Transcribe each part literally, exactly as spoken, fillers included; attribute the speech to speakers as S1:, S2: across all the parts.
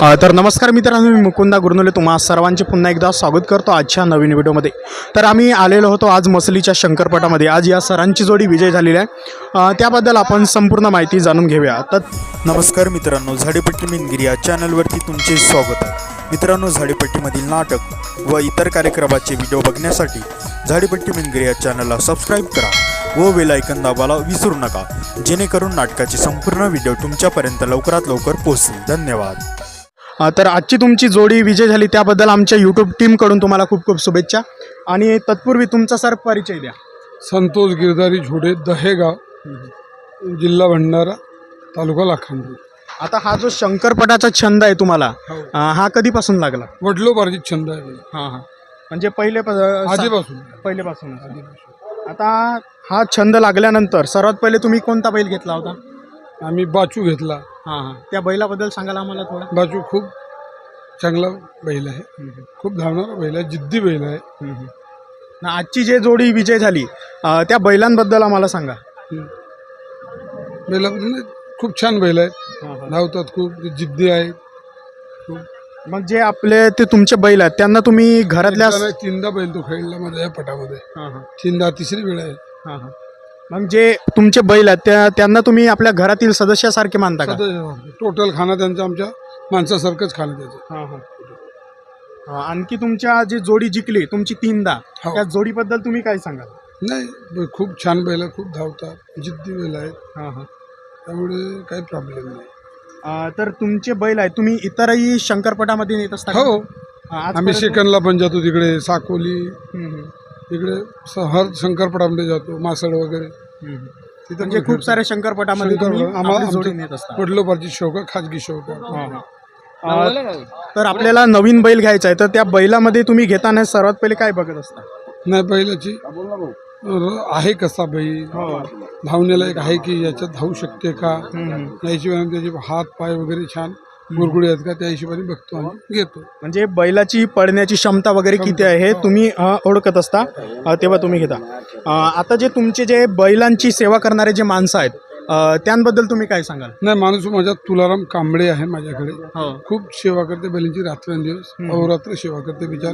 S1: अ, तर नमस्कार मित्रांनो, मी मुकुंदा गुरनुले तुम्हा सर्वांचे पुन्हा एकदा स्वागत करतो आजच्या नवीन व्हिडिओमध्ये. तर आम्ही आलेलो होतो आज मसलीच्या शंकरपटामध्ये. आज या सरांची जोडी विजय झालेली आहे. अ, त्याबद्दल आपण संपूर्ण माहिती जाणून घेऊया. तर
S2: नमस्कार मित्रांनो, झाडीपट्टी मिनगिरी या चॅनलवरती तुमचे स्वागत आहे. मित्रांनो, झाडीपट्टीमधील नाटक व इतर कार्यक्रमाचे व्हिडिओ बघण्यासाठी झाडीपट्टी मिनगिरी या चॅनलला सबस्क्राईब करा व बेल आयकॉन दाबायला विसरू नका, जेणेकरून नाटकाचे संपूर्ण व्हिडिओ तुमच्यापर्यंत लवकरात लवकर पोहोचतील. धन्यवाद.
S1: अ, तर आजची तुमची जोडी विजय झाली त्याबद्दल आमच्या यूट्यूब टीमकडून तुम्हाला खूप खूप शुभेच्छा. आणि तत्पूर्वी तुमचा सर परिचय द्या.
S3: संतोष गिरधारी झोडे, दहेगाव, जिल्हा भंडारा, तालुका लाखांदूर.
S1: आता हा जो शंकरपटाचा छंद आहे तुम्हाला, अ, हा कधीपासून लागला?
S3: वडलोपार्जित छंद आहे माझा.
S1: हां हां म्हणजे पहिले
S3: आधीपासून
S1: पहिलेपासून. आता हा छंद लागल्यानंतर सर्वात पहिले तुम्ही कोणता बैल घेतला होता?
S3: आम्ही बाचू घेतला.
S1: हां हां त्या बैलाबद्दल सांगाल आम्हाला थोडं?
S3: बाचू खूप चांगला बैल आहे, खूप धावणारा बैल आहे, जिद्दी बैल आहे.
S1: ना आजची जे जोडी विजय झाली, अ, त्या बैलांबद्दल आम्हाला सांगा.
S3: बैलाबद्दल खूप छान बैल आहेत, धावतात खूप, जिद्दी आहेत.
S1: मग जे आपले ते तुमचे बैल आहेत त्यांना तुम्ही घरातल्या
S3: एकदा नाही, तीनदा बैल तो खेळला माझ्या या पटामध्ये.
S1: हां हां
S3: तीनदा, तिसरी वेळ आहे.
S1: हां हां मग जे तुमचे बैल आहेत त्या त्यांना तुम्ही आपल्या घरातील सदस्यासारखे मानता का?
S3: टोटल खाना त्यांचा आमच्या माणसासारखंच खाणं त्याचं.
S1: हां हां अ, आणखी तुमच्या जी जोडी जिंकली तुमची तीनदा,
S3: हो.
S1: त्या जोडीबद्दल तुम्ही काय सांगाल?
S3: नाही, खूप छान बैल आहे, खूप धावतात, जिद्दी बैल आहेत,
S1: हां हां
S3: त्यामुळे काही प्रॉब्लेम नाही.
S1: अ, तर तुमचे बैल आहेत तुम्ही इतरही शंकरपटामध्ये नेत असता का?
S3: हो,
S1: अ, आजपर्यंत-
S3: आम्ही सेकंदला पण जातो तिकडे, साकोली,
S1: हम्म, हम्म,
S3: इकडे स- हर शंकरपटामध्ये जातो, मासळ वगैरे.
S1: हम्म. म्हणजे खूप साऱ्या शंकरपटामध्ये तुम्ही आपली जोडी नेत असता.
S3: वडलोपार्जित शौक आहे, खाजगी शौक आहे.
S1: हां हां अ, तर आपल्याला नवीन बैल घ्यायचा आहे, तर त्या बैलामध्ये तुम्ही घेताना सर्वात पहिले काय बघत असता?
S3: नाही, बैलाची र- आहे कसा बैल, धावण्याला एक आहे की याच्यात धावू शकते का, या हिशोबाने त्याचे हात पाय वगैरे छान गुरगुडी आहेत का, त्या हिशोबाने बघतो आणि घेतो.
S1: म्हणजे बैलाची पळण्याची क्षमता वगैरे किती आहे हे तुम्ही अ, ओळखत असता, अ, तेव्हा तुम्ही घेता. अ, आता जे तुमचे जे बैलांची सेवा करणारे जे माणसं आहेत, अ, त्यांबद्दल तुम्ही काय सांगाल?
S3: नाही, माणूस माझ्या तुलाराम कांबळे आहे माझ्याकडे,
S1: हो.
S3: खूप सेवा करते बैलांची, रात्रंदिवस अहोरात्र सेवा करते बिचार.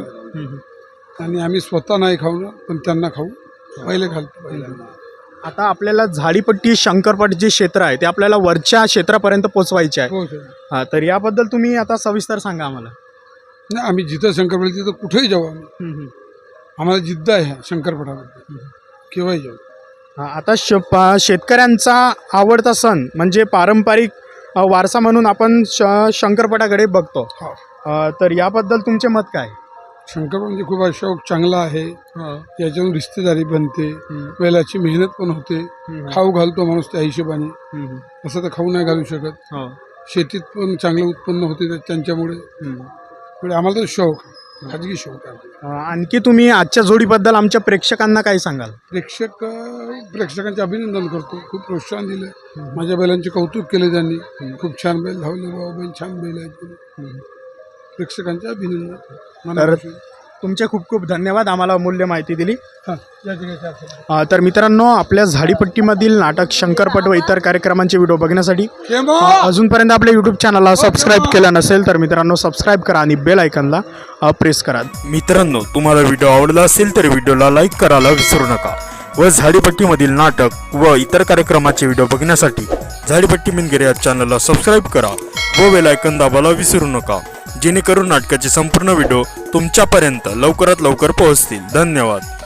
S3: आणि आम्ही स्वतः नाही खाऊ ना, पण त्यांना खाऊ पहिले घालतो बैलांना.
S1: आता आपल्याला झाडीपट्टी शंकरपट जे क्षेत्र आहे ते आपल्याला वरच्या क्षेत्रापर्यंत पोचवायचे आहे.
S3: हो सर.
S1: हा, तर याबद्दल तुम्ही आता सविस्तर सांगा आम्हाला.
S3: नाही, आम्ही जिथं शंकरपट तिथं कुठेही जाऊ आम्ही,
S1: हम्म, हम्म.
S3: आम्हाला जिद्द आहे शंकरपटामध्ये, केव्हाही जाऊ.
S1: हा, आता श पा- शेतकऱ्यांचा आवडता सण म्हणजे पारंपरिक अ, वारसा म्हणून आपण श शंकरपटाकडे बघतो.
S3: हा,
S1: अ, तर याबद्दल तुमचे मत काय?
S3: शंकरपट म्हणजे खूप शौक चांगला आहे, याच्यातून रिश्तेदारी बनते, बैलाची मेहनत पण होते, खाऊ घालतो माणूस त्या हिशोबाने. असं तर खाऊ नाही घालू शकत. शेतीत पण चांगलं उत्पन्न होते त्या- त्यांच्यामुळे. म्हणजे आम्हाला तर शौक, खाजगी शौक आहे.
S1: अ, आणखी तुम्ही आजच्या जोडीबद्दल आमच्या प्रेक्षकांना काय सांगाल?
S3: प्रेक्षक प्रेक्षकांचे अभिनंदन करतो, खूप प्रोत्साहन दिलं, माझ्या बैलांचे कौतुक केले त्यांनी. खूप छान बैल धावले बाबा, बैल छान बैल आहेत. प्रेक्षकांचे अभिनंदन.
S1: तर
S3: मनापासून.
S1: तुमचे खूप खूप धन्यवाद, आम्हाला अमूल्य माहिती दिली.
S3: हां, या ठिकाणी आपण.
S1: अ, तर मित्रांनो, आपल्या झाडीपट्टीमधील नाटक, शंकरपट व इतर कार्यक्रमांचे व्हिडिओ बघण्यासाठी
S3: केमो!
S1: अ, अजूनपर्यंत आपल्या यूट्यूब चॅनलला सबस्क्राईब केलं नसेल तर मित्रांनो सबस्क्राईब करा आणि बेल आयकॉनला अ, प्रेस करा.
S2: मित्रांनो, तुम्हाला व्हिडिओ आवडला असेल तर व्हिडिओला लाईक करायला विसरू नका व झाडीपट्टीमधील नाटक व इतर कार्यक्रमाचे व्हिडिओ बघण्यासाठी झाडीपट्टी मिनगिरी या चॅनलला सबस्क्राईब करा व बेल आयकॉन दाबायला विसरू नका, जेणेकरून नाटकाचे संपूर्ण व्हिडिओ तुमच्यापर्यंत लवकरात लवकर पोहोचतील. धन्यवाद.